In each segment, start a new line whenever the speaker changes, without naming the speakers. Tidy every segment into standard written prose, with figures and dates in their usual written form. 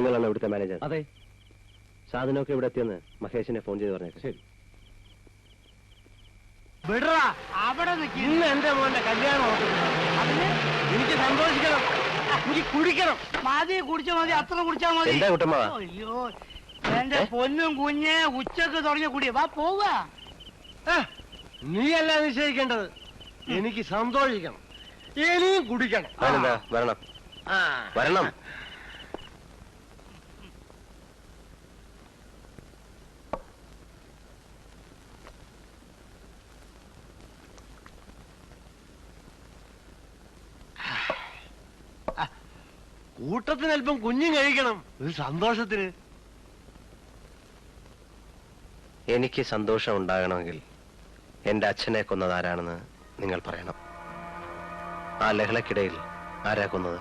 നിങ്ങളാണ് ഇവിടുത്തെ മാനേജർ?
അതെ.
സാധനമൊക്കെ ഇവിടെ എത്തിയെന്ന് മഹേഷിനെ ഫോൺ ചെയ്ത് പറഞ്ഞേക്കാം.
ശരി.
വിടറാ, അവിടെ ഇന്ന് എന്റെ മോന്റെ കല്യാണം. അതിന് എനിക്ക് സന്തോഷിക്കണം, എനിക്ക് കുടിക്കണം. മതി, കുടിച്ചാ മതി, അത്ര കുടിച്ചാ മതി.
എന്താ കുട്ടമ്മ?
അയ്യോ, എന്റെ പൊന്നും കുഞ്ഞ് ഉച്ചക്ക് തുടങ്ങിയ കുടിയ. വാ പോവാ. നീയല്ല നിശ്ചയിക്കേണ്ടത്, എനിക്ക് സന്തോഷിക്കണം, ഇനിയും കുടിക്കണം.
വരണം വരണം.
കൂട്ടത്തിന് അല്പം കുഞ്ഞും കഴിക്കണം, ഒരു സന്തോഷത്തിന്.
എനിക്ക് സന്തോഷം ഉണ്ടാകണമെങ്കിൽ എന്റെ അച്ഛനെ കൊന്നത് ആരാണെന്ന് നിങ്ങൾ പറയണം. ആ ലഹളക്കിടയിൽ ആരാ കൊന്നത്?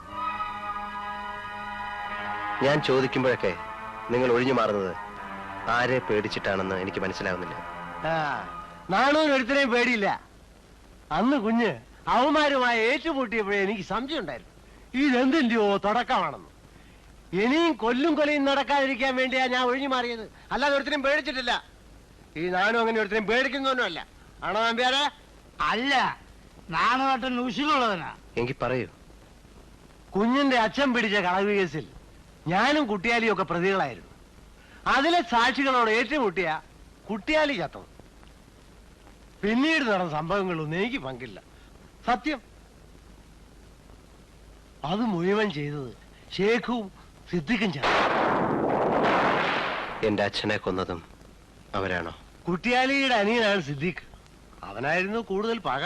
ഞാൻ ചോദിക്കുമ്പോഴൊക്കെ നിങ്ങൾ ഒഴിഞ്ഞു മാറുന്നത് ആരെ പേടിച്ചിട്ടാണെന്ന് എനിക്ക് മനസ്സിലാവുന്നില്ല.
നാണൂന് ഒരുത്തരെയും പേടിയില്ല. അന്ന് കുഞ്ഞ് അവന്മാരുമായി ഏറ്റുമുട്ടിയപ്പോഴേ എനിക്ക് സംശയം ഉണ്ടായിരുന്നു, ഇതെന്തിന്റെയോ തുടക്കമാണെന്ന്. ഇനിയും കൊല്ലും കൊലയും നടക്കാതിരിക്കാൻ വേണ്ടിയാ ഞാൻ ഒഴിഞ്ഞു മാറിയത്, അല്ലാതെ ഒരുത്തരും പേടിച്ചിട്ടില്ല. ഈ നാനും അങ്ങനെ ഒരുത്തരും പേടിക്കുന്നൊന്നുമല്ല. ആണോ നമ്പ്യാരെ? അല്ല, നാണുമായിട്ട് ഉശിലുള്ളവനാ.
എങ്കിൽ പറയൂ.
കുഞ്ഞിന്റെ അച്ഛൻ പിടിച്ച കളവ് കേസിൽ ഞാനും കുട്ടിയാലിയും ഒക്കെ പ്രതികളായിരുന്നു. അതിലെ സാക്ഷികളോട് ഏറ്റുമുട്ടിയ കുട്ടിയാലി ചത്തത്. പിന്നീട് നടന്ന സംഭവങ്ങളൊന്നും എനിക്ക് പങ്കില്ല, സത്യം. അത് മുഴുവൻ ചെയ്തത് ഷേഖും സിദ്ദിഖും ചേർന്നു.
എന്റെ അച്ഛനെ കൊന്നതും അവരാണോ?
കുട്ടിയാലിയുടെ അനിയനാണ് സിദ്ദിഖ്. അവനായിരുന്നു കൂടുതൽ പക.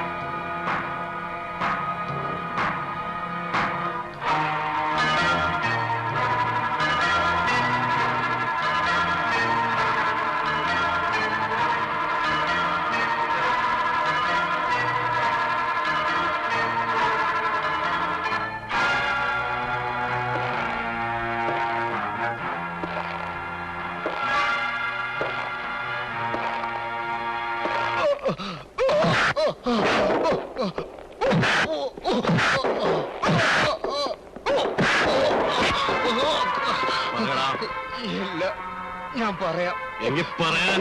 ഇല്ല, ഞാൻ പറയാം.
എങ്കിൽ പറയാൻ.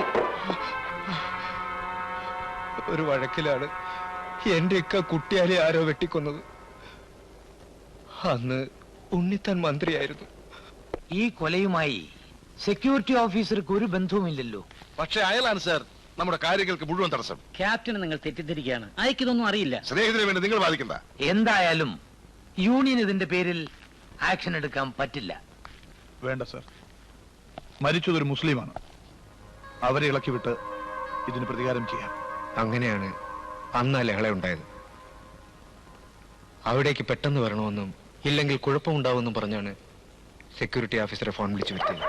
ഒരു വഴക്കിലാണ് എന്റെ കുട്ടിയാലെ ആരോ വെട്ടിക്കൊന്നത്. അന്ന് ഉണ്ണിത്താൻ മന്ത്രിയായിരുന്നു.
ഈ കൊലയുമായി സെക്യൂരിറ്റി ഓഫീസർക്ക് ഒരു ബന്ധവുമില്ലല്ലോ.
പക്ഷെ അയാളാണ് സാർ നമ്മുടെ കാര്യങ്ങൾക്ക് മുഴുവൻ തടസ്സം.
ക്യാപ്റ്റന് നിങ്ങൾ തെറ്റിദ്ധരിക്കുകയാണ്, അയക്കിതൊന്നും അറിയില്ല.
സ്നേഹത്തിന് വേണ്ടി നിങ്ങൾ ബാധിക്കണ്ട.
എന്തായാലും യൂണിയൻ ഇതിന്റെ പേരിൽ ആക്ഷൻ എടുക്കാൻ പറ്റില്ല.
വേണ്ട സാർ, മരിച്ചതൊരു മുസ്ലിമാണ്. അവരെ ഇളക്കിവിട്ട് ഇതിന് പ്രതികാരം ചെയ്യാം.
അങ്ങനെയാണ് അന്ന് ആ ലഹള ഉണ്ടായത്. അവിടേക്ക് പെട്ടെന്ന് വരണമെന്നും ഇല്ലെങ്കിൽ കുഴപ്പമുണ്ടാവുമെന്നും പറഞ്ഞാണ് സെക്യൂരിറ്റി ഓഫീസറെ ഫോൺ വിളിച്ചു വരുത്തിയത്.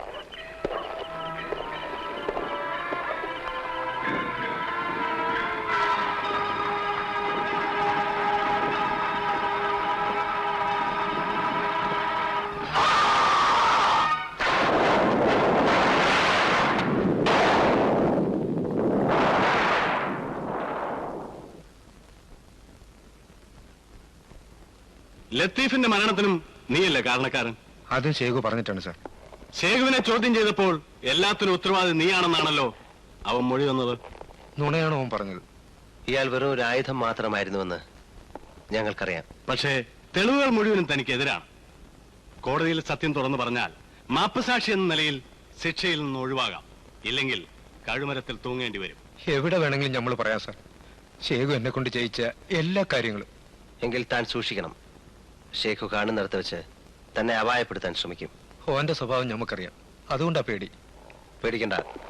ലത്തീഫിന്റെ മരണത്തിനും നീയല്ലേ കാരണക്കാരൻ?
അതും ഷേഖു പറഞ്ഞിട്ടാണ് സാർ.
ഷേഖുവിനെ ചോദ്യം ചെയ്തപ്പോൾ എല്ലാത്തിനും ഉത്തരവാദി നീയാണെന്നാണല്ലോ അവൻ മൊഴി വന്നത്.
നുണയാണോ അവൻ പറഞ്ഞത്?
ഇയാൾ വെറും ഒരു ആയുധം മാത്രമായിരുന്നുവെന്ന് ഞങ്ങൾക്കറിയാം.
പക്ഷേ തെളിവുകൾ മുഴുവനും തനിക്കെതിരാണ്. കോടതിയിൽ സത്യം തുറന്നു പറഞ്ഞാൽ മാപ്പുസാക്ഷി എന്ന നിലയിൽ ശിക്ഷയിൽ നിന്ന് ഒഴിവാകാം, ഇല്ലെങ്കിൽ കഴുമരത്തിൽ തൂങ്ങേണ്ടി വരും.
എവിടെ വേണമെങ്കിലും നമ്മൾ പറയാം സാർ. ഷേഖു എന്നെ കൊണ്ട് ചെയ്യിച്ച എല്ലാ കാര്യങ്ങളും.
എങ്കിൽ താൻ സൂക്ഷിക്കണം. ഷേഖു കാണുന്നിടത്ത് വെച്ച് തന്നെ അപായപ്പെടുത്താൻ ശ്രമിക്കും.
ഓന്റെ സ്വഭാവം നമുക്കറിയാം, അതുകൊണ്ടാ പേടി.
പേടിക്കണ്ട,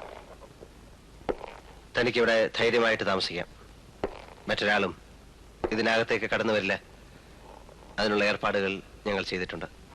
തനിക്കിവിടെ ധൈര്യമായിട്ട് താമസിക്കാം. മറ്റൊരാളും ഇതിനകത്തേക്ക് കടന്നു വരില്ല. അതിനുള്ള ഏർപ്പാടുകൾ ഞങ്ങൾ ചെയ്തിട്ടുണ്ട്.